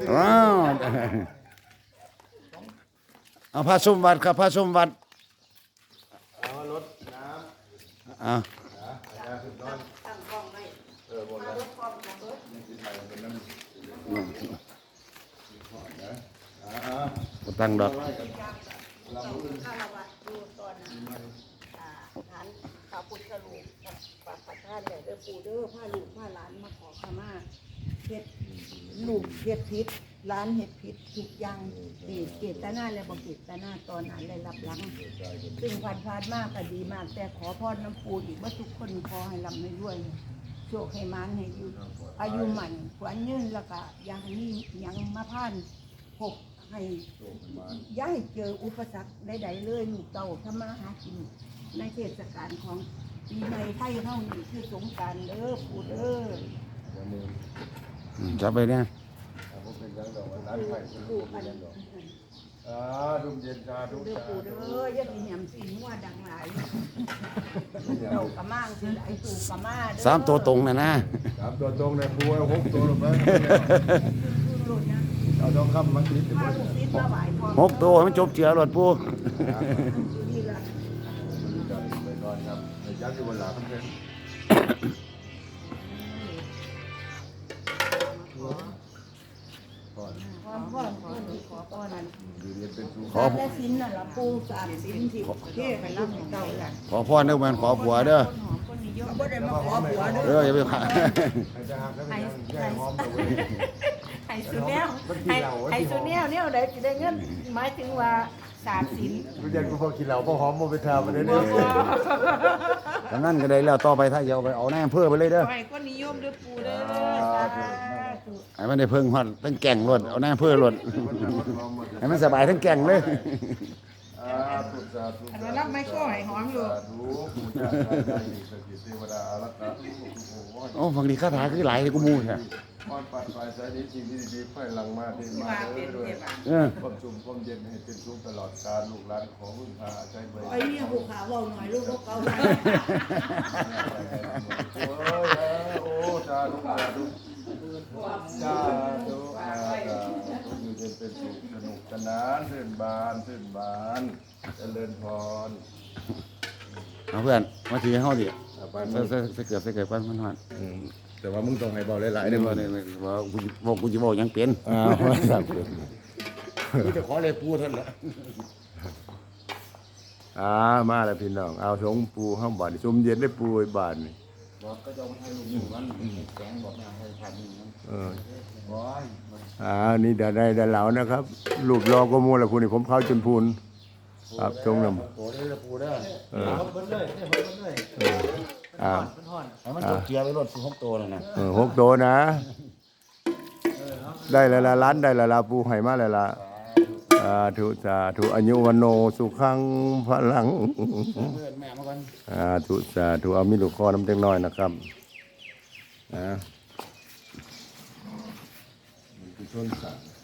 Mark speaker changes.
Speaker 1: ว้าวเอาพระสมบัติครับพระสมบัติ
Speaker 2: เอารถน้ำ
Speaker 1: เอา
Speaker 3: ตั้งกล้องไว้
Speaker 2: บนแล้ว
Speaker 3: รถกล้องนะเบิด
Speaker 2: ที่ไทยเป็นน้ำ
Speaker 1: ตั้งดอก
Speaker 3: ข้าววัดดูตอนฐานพระพุทธรูปกับประธานเนี่ยเด้อปู่เด้อพาลูกพาหลานมาขอขมาเฮ็ดลูกเฮ็ดผิดหลานเฮ็ดผิดทุกอย่างเจตนาและบ่เจตนาตอนนั้นได้รับหลังซึ่งผ่านมากก็ดีมากแต่ขอพรน้ำปู่อีกว่าทุกคนขอให้ร่ำให้รวยโชคให้มานให้อยู่อายุหมันขวัญยืนแล้วก็อย่าให้มีหยังมาผ่านพบให้อย่าให้เจออุปสรรคใดๆเลยลูกเต่าทำมาหากินในเทศกาลของปีใหม่ไทยเฮานี่คือสงกรานต์เด้อปู่เด้อ
Speaker 1: จับไปเนี่ย
Speaker 2: ผมเป็นยังดอกร้านไผ่เป็นลูกเป็นยังดอกดุมเย็นชาดุม
Speaker 3: เด้อ
Speaker 2: ชา
Speaker 3: ปู่เด้ออย่ามีแหมสีนัวดังหลายเต่ากะมางสิไอ้ปู่กะมาเด้อ
Speaker 1: สามตัวตรงนะ
Speaker 2: สามตัวตรงเลยปูเอาหกตัวลงไปเอาทองคำมาติด
Speaker 3: พาลูกศิษย์มาไหว้พ่อ
Speaker 1: 6 ตัวให้มันจบเจือรถปู
Speaker 3: นี่ล่ะ
Speaker 2: ไปก่อนครับยักษ์อยู่บนหลังเพื่อน
Speaker 3: พ่อขอพ่อนั้น
Speaker 2: อยู่เรียนเป็นครู
Speaker 1: ขอ
Speaker 3: และสินน่ะล่ะปู่สามสินที่เทศให้รับให้เก่าล่ะ
Speaker 1: ขอพ่อเด้อมันขอผัวเด้อ
Speaker 3: บ่ได้มาขอผัวเด้อ
Speaker 1: อย่าไปขา
Speaker 2: ให้จะหักแล้วเป็นยังแย่หอมตัวเอง
Speaker 3: ไห้สุแนวไห้สุแนวเนี่ยได้สิได้เงินหมายถึงว่าสามสิน
Speaker 2: รู้ยังกูพอกินเหล้าพอหอมมาไปทำมันได้เนี่ย
Speaker 1: ตอนนั้นก็ได้แล้วต่อไปถ้าจะเอาไปเอาแน่เพื่อไปเลยเด้อ
Speaker 3: ขอให้คนนิยมเด้อปู่เด้อสาธุ
Speaker 1: ให้มันได้เพิ่งฮอดทั้งแก่งรถเอาแน่เพื่อรถให้มันสบายทั้งแก่งเลย
Speaker 2: ถูกสาธุ
Speaker 3: อันนั้นรับไม้ก็ให้หอมอยู่
Speaker 2: สาธุผู้เจ้าได้สกิเทวดาอารักขาทุกข์ทุกข์
Speaker 1: โอ้ฝั่งนี้คาถาคือหลายเลยกูมูแท้
Speaker 2: พรปัดปลายสายนี้สิ่งที่ดีๆค่อยหลังมาที่มาด้วย
Speaker 1: เออ
Speaker 2: ความสุขความเย็นให้เป็นสุขตลอดกาลลูกหลานขอพึ่งพาอาศัยไว้
Speaker 3: ไอ้เนี่ยผูกขาเว้าหน่อยลูกเขา
Speaker 2: โอ้สาธุสาธุสาธุอยู่เย็นเป็นสุขสนุกสนานชื่นบานเจริญพร
Speaker 1: เอาเพื่อนมาถือให้เฮาดิ
Speaker 2: ไป
Speaker 1: ใส่เกือบก่อนมันฮอด
Speaker 2: แต่ว่ามึงต้องให้เบาหลายๆ
Speaker 1: เดี๋
Speaker 2: เด้
Speaker 1: ยว
Speaker 2: อ
Speaker 1: ว่ากูจะบอกยังเป็น
Speaker 2: ครับ
Speaker 1: กูจะขอเลยปูเท่านั้นแหละ
Speaker 2: มาแล้วพี่น้องเอาสงปูห้ามบาดชมเย็นได้ปูไอ้บาดนี่
Speaker 1: บอกก็จะให้ลูกหนึ่งวันแกงบอกไม่ให้ทานหนึ่งวันบอย
Speaker 2: นี่ได้เหลานะครับรูปรอก็มูละพูนี่ผมเข้าจนพูนครับจงนำ
Speaker 1: โอ้ได้ปูได้
Speaker 2: เออ
Speaker 1: เบิ้ลเลยเบิ้ลเลยให้มันจบเกียร์ไปรถ16 ตัวเลยนะ
Speaker 2: 6 ตัวนะ ได้แล้วละล้านได้แล้วละปูให้มาแล้วละสาธุอายุวันโนสุขังพลัง
Speaker 1: เพื่อนแม่มาก่อน
Speaker 2: สาธุเอามีลูกคอน้ำเต็งน้อยนะครับนะชนสัตว์